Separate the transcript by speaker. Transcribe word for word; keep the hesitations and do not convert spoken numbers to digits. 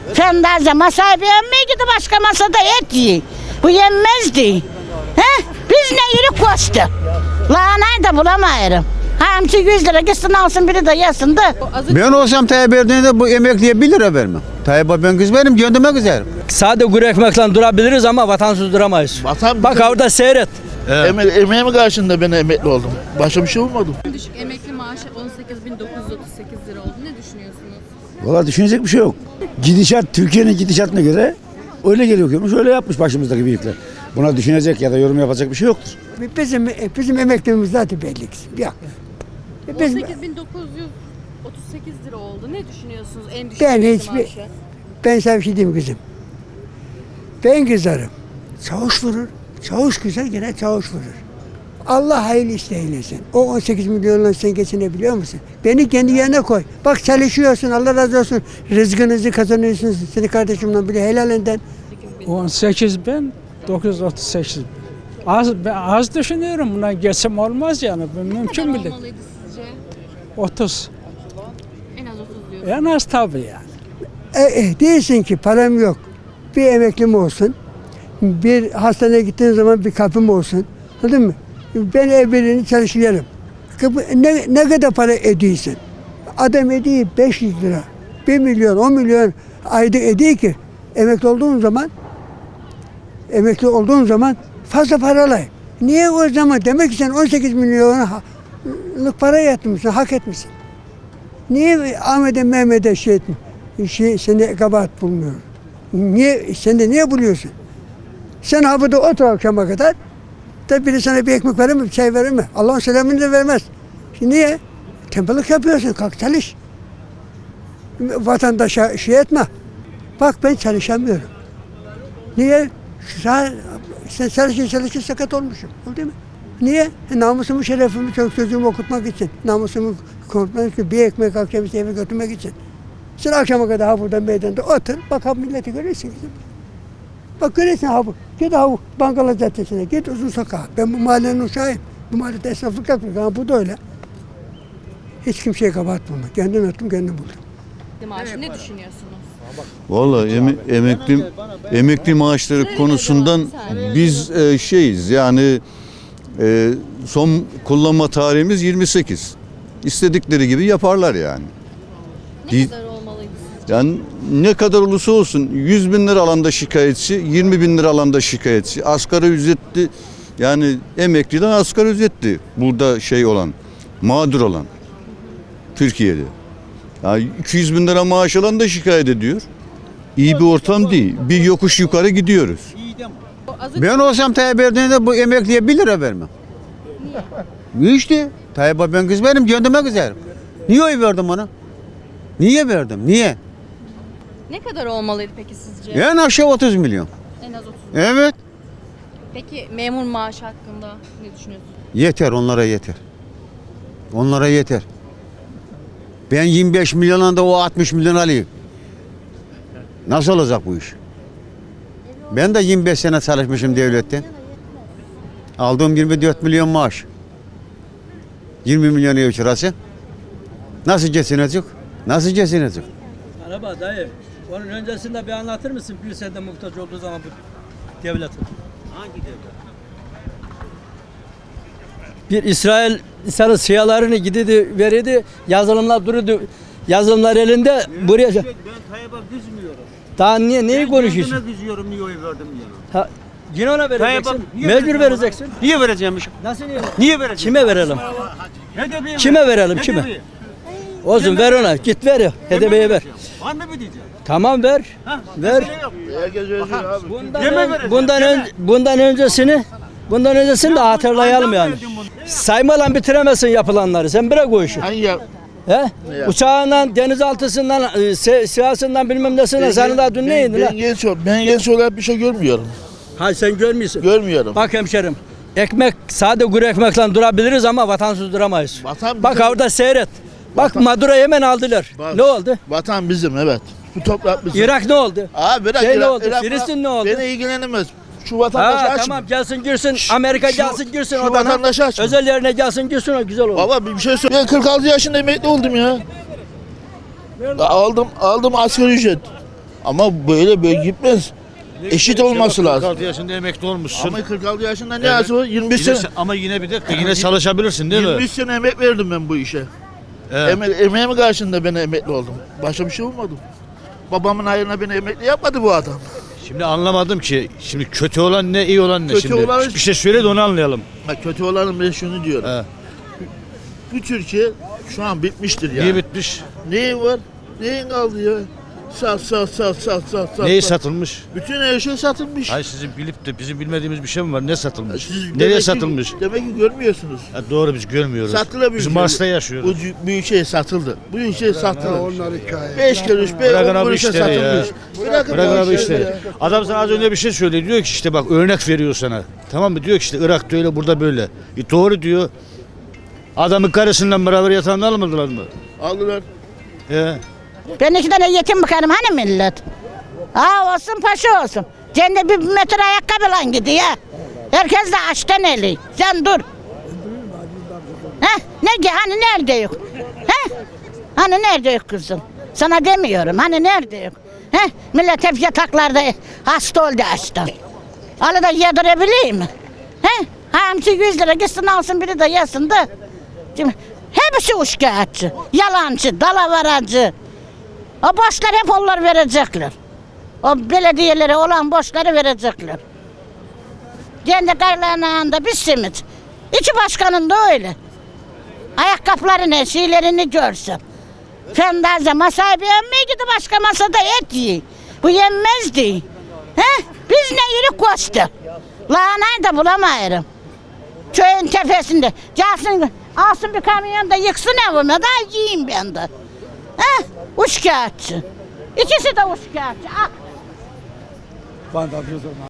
Speaker 1: Fendaze masayı beğenmeye gidi başka masada et yiyin. Bu yenmezdi. He? Biz ne yürük koştu. Lahanayı da bulamayırım. Hamsi yüz lira gitsin alsın biri de yesin de.
Speaker 2: Ben olsam Tayyip Erdoğan'a bu emekliye bir lira vermem. Tayyip ben kız benim göndermek üzerim.
Speaker 3: Sade kuru ekmekle durabiliriz ama vatansız duramayız.
Speaker 4: Vatan
Speaker 3: Bak orada seyret.
Speaker 4: Eme emeğim karşında ben emekli oldum. Başka bir şey olmadı.
Speaker 5: Düşük emekli maaşı on sekiz bin dokuz yüz otuz sekiz lira oldu. Ne düşünüyorsunuz?
Speaker 6: Valla düşünecek bir şey yok. Gidişat, Türkiye'nin gidişatına göre öyle geliyormuş, öyle yapmış başımızdaki büyükler. Buna düşünecek ya da yorum yapacak bir şey yoktur.
Speaker 7: Bizim bizim emekliliğimiz zaten belli. Yok.
Speaker 5: on sekiz bin dokuz yüz otuz sekiz lira oldu. Ne düşünüyorsunuz en düşük
Speaker 7: Ben
Speaker 5: emekli
Speaker 7: hiçbir-
Speaker 5: maaşı?
Speaker 7: Ben sana bir şey diyeyim kızım. Ben kızarım. Çavuş vurur. Çavuş kızar gene çavuş vurur. Allah hayırlı işte eylesin. O on sekiz milyonla sen geçinebiliyor musun? Beni kendi yerine koy. Bak çalışıyorsun, Allah razı olsun. Rızkınızı kazanıyorsunuz. Seni kardeşimle bile helalinden.
Speaker 8: on sekiz bin dokuz yüz otuz sekiz bin. Az, ben az düşünüyorum, buna geçim olmaz yani. Bu
Speaker 5: Ne
Speaker 8: mümkün
Speaker 5: kadar
Speaker 8: bile.
Speaker 5: olmalıydı sizce?
Speaker 8: otuz.
Speaker 5: En az otuz diyorsunuz.
Speaker 8: En az tabii yani.
Speaker 7: E, e, değilsin ki param yok. Bir emeklim olsun. Bir hastaneye gittiğin zaman bir kapım olsun. Anladın mı? Ben evlerini çalışıyorum. Kapı- Ne, ne kadar para ediyorsun? Adam ediyor beş yüz lira. bir milyon, on milyon ayda ediyor ki emekli olduğun zaman emekli olduğun zaman fazla paralı. Niye o zaman? Demek ki sen on sekiz milyonluk para yatmışsın, hak etmişsin. Niye Ahmet'e Mehmet'e şey, etme- şey seni kabahat bulmuyor? Niye, sen de niye buluyorsun? Sen ha burada otur akşama kadar, da biri sana bir ekmek verir mi, bir çay verir mi? Allah'ın selamını da vermez. Şimdi niye? Tembellik yapıyorsun, kalk çalış. Vatandaşa şey etme. Bak ben çalışamıyorum. Niye? Sa- Sen çalışır çalışır sakat olmuşum. Oldu mu? Niye? E, namusumu, şerefimi, çok çocuğumu okutmak için. Namusumu korkmak için, bir ekmek akşam işte eve götürmek için. Sen akşama kadar ha burada meydanda otur, bak ha milleti görürsün kızım. Bak görürsün ha bu. Git ha bu Bankala Caddesi'ne, git Uzun Sokağa. Ben bu mahallenin uşağıyım. Bu mahallede esnaflık yapıyorum. Ha bu da öyle. Hiç kimseye kabahat bulma. Kendim ettim, kendim buldum.
Speaker 5: Maaşı ne düşünüyorsunuz?
Speaker 9: Vallahi eme- emekli emekli maaşları konusundan biz e, şeyiz yani e, son kullanma tarihimiz yirmi sekiz. İstedikleri gibi yaparlar yani.
Speaker 5: Ne
Speaker 9: Değil-
Speaker 5: kadar olmalıydı sizce?
Speaker 9: Yani ne kadar olursa olsun yüz bin lira alanda şikayetçi, yirmi bin lira alanda şikayetçi. Asgari ücretli yani emekliden asgari ücretli burada şey olan, mağdur olan Türkiye'de. Yani iki yüz bin lira maaş alan da şikayet ediyor. İyi bir ortam değil. Bir yokuş yukarı gidiyoruz.
Speaker 2: Ben olsam Tayyip Erdoğan'a bu emekliye bir lira vermem. Niye? İşte Tayyip ben kız benim göndermek üzerim. Niye oy verdim ona? Niye verdim? Niye?
Speaker 5: Ne kadar olmalıydı peki sizce?
Speaker 2: En aşağı otuz milyon.
Speaker 5: En az otuz.
Speaker 2: Evet.
Speaker 5: Peki memur maaşı hakkında ne düşünüyorsunuz?
Speaker 2: Yeter onlara yeter. Onlara yeter. Ben yirmi beş milyondan da o altmış milyon alayım. Nasıl olacak bu iş? Ben de yirmi beş sene çalışmışım devletten. Aldığım yirmi dört milyon maaş. yirmi milyon ev kirası. Nasıl geçinecek? Nasıl geçinecek?
Speaker 3: Merhaba dayı. Onun öncesinde bir anlatır mısın bir sene muhtaç olduğu zaman bu devletin?
Speaker 2: Hangi devlet?
Speaker 3: Bir İsrail İsrail siyalarını gididi veridi yazılımlar duruyordu. Yazılımlar elinde buraya.
Speaker 2: Ben Tayyip'e kızmıyorum.
Speaker 3: Daha niye neyi konuşuyorsun?
Speaker 2: Ben kızıyorum niye oy verdim diye.
Speaker 3: Ha, yine ona vereceksin.
Speaker 2: Tayyip'e- niye
Speaker 3: Mecbur
Speaker 2: vereceğim
Speaker 3: vereceksin.
Speaker 2: ona? Niye vereceğimmişim?
Speaker 3: Nasıl niye?
Speaker 2: Niye vereceğim?
Speaker 3: Kime verelim?
Speaker 2: H D P'ye
Speaker 3: Kime verelim
Speaker 2: H D
Speaker 3: kime?
Speaker 2: P'ye.
Speaker 3: Olsun ver ona. Git ver ya. H D P'ye ver.
Speaker 2: Var mı bir diyeceğim?
Speaker 3: Tamam ver. Ver.
Speaker 4: Herkes özgür abi.
Speaker 3: Bundan,
Speaker 2: Yeme
Speaker 3: ön-
Speaker 2: vereceğim,
Speaker 3: bundan,
Speaker 2: yeme.
Speaker 3: ön- bundan öncesini bundan öncesini de hatırlayalım yani. Saymadan bitiremezsin yapılanları. Sen bırak o işi.
Speaker 4: Hangi ya?
Speaker 3: He? Uçağından, denizaltısından, e, se- siyasından bilmem nesinden sen daha dün
Speaker 4: ben,
Speaker 3: neydin
Speaker 4: ben,
Speaker 3: lan?
Speaker 4: genç, ben genç olarak bir şey görmüyorum.
Speaker 3: Ha sen görmüyorsun.
Speaker 4: Görmüyorum.
Speaker 3: Bak hemşerim. Ekmek, sade kuru ekmekle durabiliriz ama vatansız duramayız.
Speaker 4: Vatan
Speaker 3: Bak
Speaker 4: bizim.
Speaker 3: orada seyret. Bak
Speaker 4: Vatan-
Speaker 3: Maduro'yu hemen aldılar.
Speaker 4: Bak.
Speaker 3: Ne oldu?
Speaker 4: Vatan bizim evet. Bu toprak bizim.
Speaker 3: Irak ne oldu?
Speaker 4: Abi bırak
Speaker 3: Şey ne
Speaker 4: Irak-
Speaker 3: oldu?
Speaker 4: Irak-
Speaker 3: Filistin ne oldu?
Speaker 4: Beni ilgilenemez. Şu vatandaşı
Speaker 3: Ha
Speaker 4: aç.
Speaker 3: tamam gelsin girsin. Amerika
Speaker 4: şu-
Speaker 3: gelsin girsin
Speaker 4: şu
Speaker 3: odana.
Speaker 4: vatandaşı açma.
Speaker 3: Özel yerine gelsin girsin o güzel olur.
Speaker 4: Baba bir şey söyle. Ben kırk altı yaşında emekli oldum ya. Aldım aldım asgari ücret. Ama böyle böyle gitmez. Eşit olması lazım.
Speaker 10: kırk altı yaşında emekli olmuşsun.
Speaker 4: Ama kırk altı yaşında ne
Speaker 10: Evet.
Speaker 4: yazıyor? yirmi beş
Speaker 10: Yine
Speaker 4: sene.
Speaker 10: se- ama yine bir dakika yine çalışabilirsin değil mi?
Speaker 4: yirmi üç sene emek verdim ben bu işe.
Speaker 10: Evet.
Speaker 4: Eme emeğim karşında ben emekli oldum. Başka bir şey olmadı. Babamın hayrına beni emekli yapmadı bu adam.
Speaker 10: Şimdi anlamadım ki. Şimdi kötü olan ne, iyi olan ne
Speaker 4: Kötü
Speaker 10: şimdi?
Speaker 4: olan-
Speaker 10: Bir şey söyle de onu anlayalım.
Speaker 4: Ha, kötü olanın ben şunu diyorum.
Speaker 10: He.
Speaker 4: Bu Türkiye şu an bitmiştir ya.
Speaker 10: Niye bitmiş?
Speaker 4: Neyi var? Neyin kaldı ya? Sat sat sat sat sat sat.
Speaker 10: Neyi
Speaker 4: sat.
Speaker 10: satılmış?
Speaker 4: Bütün her şey satılmış.
Speaker 10: Hayır sizin bilip de bizim bilmediğimiz bir şey mi var? Ne satılmış?
Speaker 4: Siz demek
Speaker 10: Nereye
Speaker 4: ki-
Speaker 10: satılmış?
Speaker 4: Demek ki görmüyorsunuz.
Speaker 10: Ha, doğru biz görmüyoruz.
Speaker 4: Satılabilir.
Speaker 10: Biz Mars'ta yaşıyoruz.
Speaker 4: Bu cü- büyük şey satıldı. Bu büyük şey satıldı. Beş kuruş, be,
Speaker 10: Bırakın
Speaker 4: on
Speaker 10: abi
Speaker 4: kuruşa
Speaker 10: işleri ya.
Speaker 4: satılmış. Bırakın
Speaker 10: Bırak
Speaker 4: bu
Speaker 10: abi
Speaker 4: işleri
Speaker 10: işte.
Speaker 4: ya.
Speaker 10: Adam sana az önce bir şey söyledi. Diyor ki işte bak örnek veriyor sana. Tamam mı? Diyor ki işte Irak'ta öyle burada böyle. E doğru diyor. Adamın karısından beraber yatağını almadılar mı?
Speaker 4: Aldılar.
Speaker 10: He.
Speaker 1: Ben iki tane yetim bakarım hani millet. Ha olsun paşa olsun. Cennet bir metre ayakkabıyla gidiyor. Herkes de açtan eli. Sen dur. He? Ne ki hani nerede yok? He? Hani nerede yok kızım? Sana demiyorum hani nerede yok? He? Millet hep yataklarda hasta oldu açtan. Alı da yedirebileyim mi? He? Hamsi yüz lira gitsin alsın biri de yesin de. Şimdi hepsi uşkağıtçı, yalancı, dalavarancı. O borçlar hep onlar verecekler. O belediyelere olan borçları verecekler. Kendi karlarında bir simit. İki başkanın da öyle. Ayakkabılarını, şeylerini görsün. Fendaze masaya beğenmeye gidi başka masada et yiyin. Bu yenmezdi. He? Biz ne yürü koştu. Lahanayı da bulamayırım. Köyün tepesinde. Gelsin, alsın bir kamyon da yıksın evime da yiyeyim ben de. He? Uçkağıtçı. İkisi de uçkağıtçı. Ah.